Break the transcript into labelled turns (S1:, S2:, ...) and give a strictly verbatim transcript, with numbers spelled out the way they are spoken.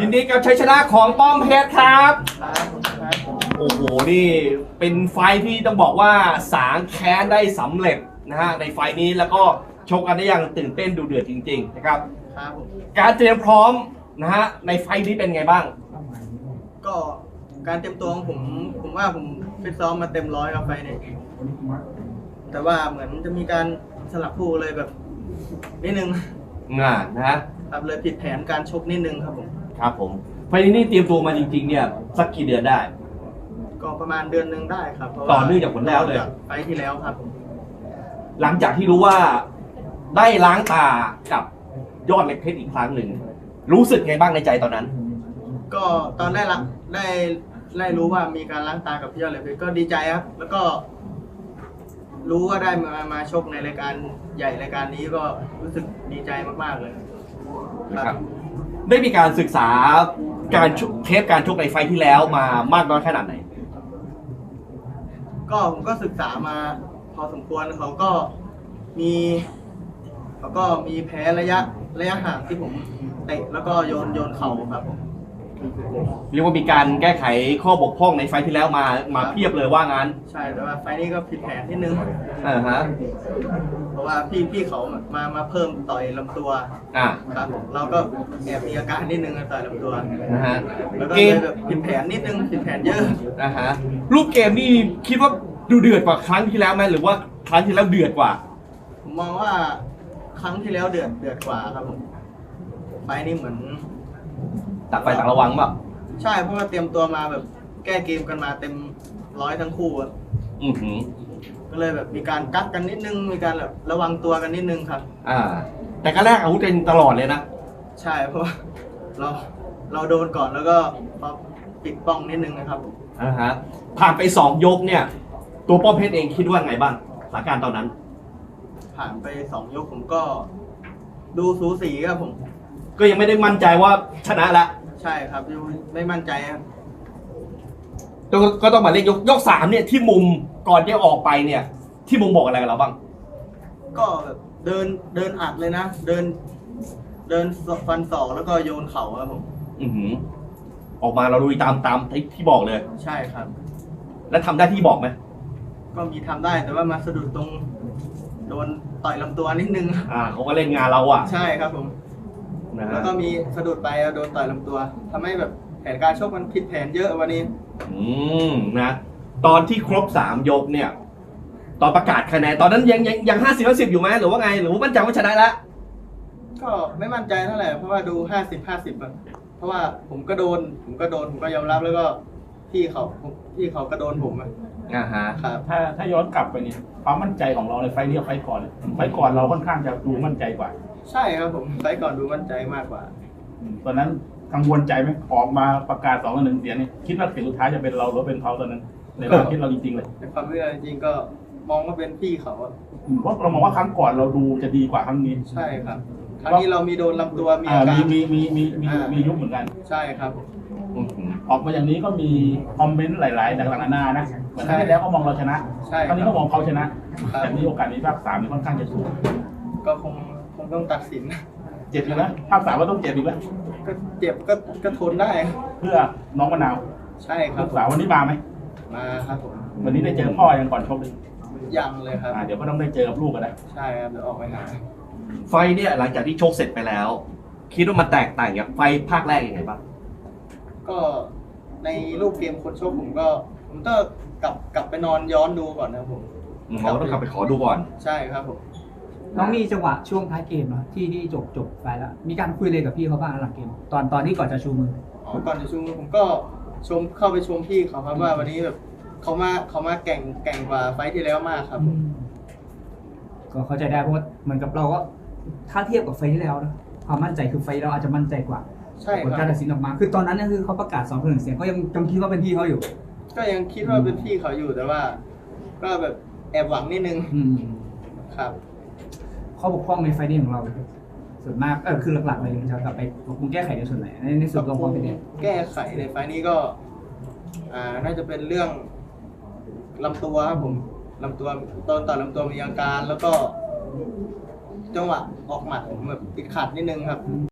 S1: ยินดีกับชัยชนะของป้อมเพชรครับโอ้โหนี่เป็นไฟที่ต้องบอกว่าสางแค้นได้สำเร็จนะฮะในไฟนี้แล้วก็ชกกันได้อย่างตื่นเต้นดูเดือดจริงๆนะครับการเตรียมพร้อมนะฮะในไฟนี้เป็นไงบ้าง
S2: ก็การเตรียมตัวของผมผมว่าผมฟิตซ้อมมาเต็มร้อยครับไฟนี้แต่ว่าเหมือนจะมีการสลับคู่เลยแบบนิดนึง
S1: งานนะฮะ
S2: ครับเลยผิดแผนการชกนิดนึงครับผม
S1: ครับผมไฟนี้นี่เตรียมตัวมาจริงๆเนี่ยสักกี่เดือนได้
S2: ก็ประมาณเดือนหนึ่งได้ครับ
S1: ต่อเนื่องจากผลแล้วเลย
S2: ไฟที่แล้วครับ
S1: หลังจากที่รู้ว่าได้ล้างตากับยอดเหล็กเพชรอีกครั้งหนึ่งรู้สึกไงบ้างในใจตอนนั้น
S2: ก็ตอนได้ละได้ได้รู้ว่ามีการล้างตากับยอดเหล็กเพชรก็ดีใจครับแล้วก็รู้ว่าได้มามาชกในรายการใหญ่รายการนี้ก็รู้สึกดีใจมากๆเลย
S1: ครับได้มีการศึกษาการเทปการชกในไฟที่แล้วมามากน้อยขนาดไหน
S2: ก็ผมก็ศึกษามาพอสมควรเขาก็มีเขาก็มีแพ้ระยะระยะห่างที่ผมเตะแล้วก็โยนโยนเข่าครับผม
S1: เรียกว่ามีการแก้ไขข้อบกพร่องในไฟที่แล้วมามาเพียบเลยว่างั้น
S2: ใช่แต่ว่าไฟนี้ก็ผิดแผนนิดนึง
S1: อ่าฮะ
S2: เพราะว่าพี่พี่เขามามาเพิ่มต่อยลำตัว
S1: อ่า
S2: ครับเราก็แอบมีอาการนิดนึงต่อยลำตัว
S1: นะฮะ
S2: แล้วก็เลยแบบผิดแผนนิดนึงผิดแผนเยอะ
S1: นะฮะรูปเกมนี่คิดว่าดูเดือดกว่าครั้งที่แล้วไหมหรือว่าครั้งที่แล้วเดือดกว่า
S2: ผมมองว่าครั้งที่แล้วเดือดเดือดกว่าครับผมไฟนี้เหมือน
S1: ต่างไฟต่างระวังป่ะ
S2: ใช่เพราะว่าเตรียมตัวมาแบบแก้เกมกันมาเต็มร้อยทั้งคู่อ่ะ
S1: อือหือ
S2: ก็เลยแบบมีการกักกันนิดนึงมีการแบบระวังตัวกันนิดนึงครับ
S1: อ่าแต่ก็แรกอาวุธเป็นตลอดเลยนะ
S2: ใช่เพราะเราเราโดนก่อนแล้วก็มาปิดป้องนิดนึงนะครับ
S1: อ่าฮะผ่านไปสองยกเนี่ยตัวป้อมเพชรเองคิดว่าไงบ้างสถานการณ์ตอนนั้น
S2: ผ่านไปสองยกผมก็ดูสูสีครับผม
S1: ก็ยังไม่ได้มั่นใจว่าชนะละ
S2: ใช่ครับยังไม่มั่นใจครับ
S1: ก็ต้องมาเล่นยกยกสามเนี่ยที่มุมก่อนที่ออกไปเนี่ยที่มุมบอกอะไรกับเราบ้าง
S2: ก็แบบเดินเดินอัดเลยนะเดินเดินฟันศอกแล้วก็โยนเข่าครับผม
S1: อือหือออกมาเราลุยตามตามที่บอกเลย
S2: ใช่ครับ
S1: แล้วทำได้ที่บอกไหม
S2: ก็มีทำได้แต่ว่ามาสะดุดตรงโดนต่อยลำตัวนิดนึง
S1: อ่าเขาก็เล่นงานเราอ่ะ
S2: ใช่ครับผมแล้วก็มีสะดุดไปโดนต่อยลำตัวทำให้แบบแผนการชกมันผิดแผนเยอะวันนี้
S1: อืมนะตอนที่ครบสามยกเนี่ยตอนประกาศคะแนนตอนนั้นยังยังยังห้าสิบห้าสิบอยู่ไหมหรือว่าไงหรือว่ามั่นใจว่าชนะแล้ว
S2: ก็ไม่มั่นใจเท่าไหร่เพราะว่าดูห้าสิบห้าสิบอะเพราะว่าผมก็โดนผมก็โดนผมก็ยอมรับแล้วก็พี่เขาพี่เขาก็โดนผม
S1: อ่าฮะ
S2: ครับ
S3: ถ้าถ้าย้อนกลับไปเนี่ยความมั่นใจของเราในไฟนี้กับไฟก่อนไฟก่อนเราค่อนข้างจะดูมั่นใจกว่า
S2: ใช่ครับผมไฟก่อนดูมั่นใจมากกว่า
S3: ตอนนั้นกังวลใจไหมออกมาประกาศสองกับหนึ่งเสียงนี่คิดว่าเสียงสุดท้ายจะเป็นเราหรือเป็นเขาตอนนั้นในความคิดเราจริงๆเลย
S2: ในความคิดเราจริงๆก็มองว่าเป็นพี่เขา
S3: เพราะเรามองว่าครั้งก่อนเราดูจะดีกว่าครั้งนี้
S2: ใช่ครับครั้งนี้เรามีโดนลำตัวมีอาการ
S3: มีมีมีมีมียุบเหมือนกัน
S2: ใช่ครับ
S3: ออกมาอย่างนี้ก็มีคอมเมนต์หลายๆต่างๆนานานะเหมือนครั้งที่แล้วก็มองเราชนะครั้งนี้ก็มองเขาชนะแต่นี้โอกาสนี้ภาคสามนี่ค่อนข้างจะสูง
S2: ก็คงคงต้องตัดสิน
S3: เจ็บอยู่นะภาคสามว่าต้องเจ็บอีกแล้ว
S2: ก็เจ็บก็ก็ทนได้
S3: เพื่อน้องมะนาว
S2: ใช่ครับ
S3: สาววันนี้มาไหม
S2: มาครับผม
S3: วันนี้ได้เจอพ่อยังก่อนชกเลย
S2: ยังเลยครับ
S3: เดี๋ยวก็ต้องได้เจอกับลูกกันนะ
S2: ใช่ครับเดี๋ยวออกไปหา
S1: ไฟเนี่ยหลังจากที่ชกเสร็จไปแล้วคิดว่ามันแตกต่างจากไฟภาคแรกยังไงบ้าง
S2: ก็ในรูปเกมคนชกผมก็ผมต้องกลับกลับไปนอนย้อนดูก่อนนะผม
S1: เราต้องกลับไปขอดูก่อน
S2: ใช่ครับผม
S4: น้องมีจังหวะช่วงท้ายเกมเนาะที่ที่จบจบไปแล้วมีการคุยเลยกับพี่เขาบ้างหลังเกมตอนตอนที่ก่อนจะชูมือ
S2: อ๋อก่อนจะชูมือผมก็ชมเข้าไปชมพี่เขาครับว่าวันนี้แบบเขามาเขามาแก่งแก่งกว่าไฟที่แล้วมากครับ
S4: ก็เข้าใจได้เพราะว่าเหมือนกับเราก็ถ้าเทียบกับไฟที่แล้วนะความมั่นใจคือไฟเราอาจจะมั่นใจกว่า
S2: ใช่
S4: ผลการตัดสินออกมาคือตอนนั้นเนี่ยคือเขาประกาศสองต่อหนึ่งเสียงก็ยังจำคิดว่าเป็นพี่เขาอยู่
S2: ก็ยังคิดว่าเป็นพี่เขาอยู่แต่ว่าก็แบบแอบหวังนิดนึงครับ
S4: ข้อบกพร่องในไฟนี้ของเราส่วนมากเออคือหลักๆเลยจะกลับไปปรับปรุงแก้ไขในส่วนไหนในในส่วนของความเป็นเนี่ย
S2: แก้ไขในไฟนี้ก็อ่าน่าจะเป็นเรื่องลำตัวครับผมลำตัวต้นต่อลำตัวมีอาการแล้วก็จังหวะออกหมัดผมแบบติดขัดนิดนึงครับ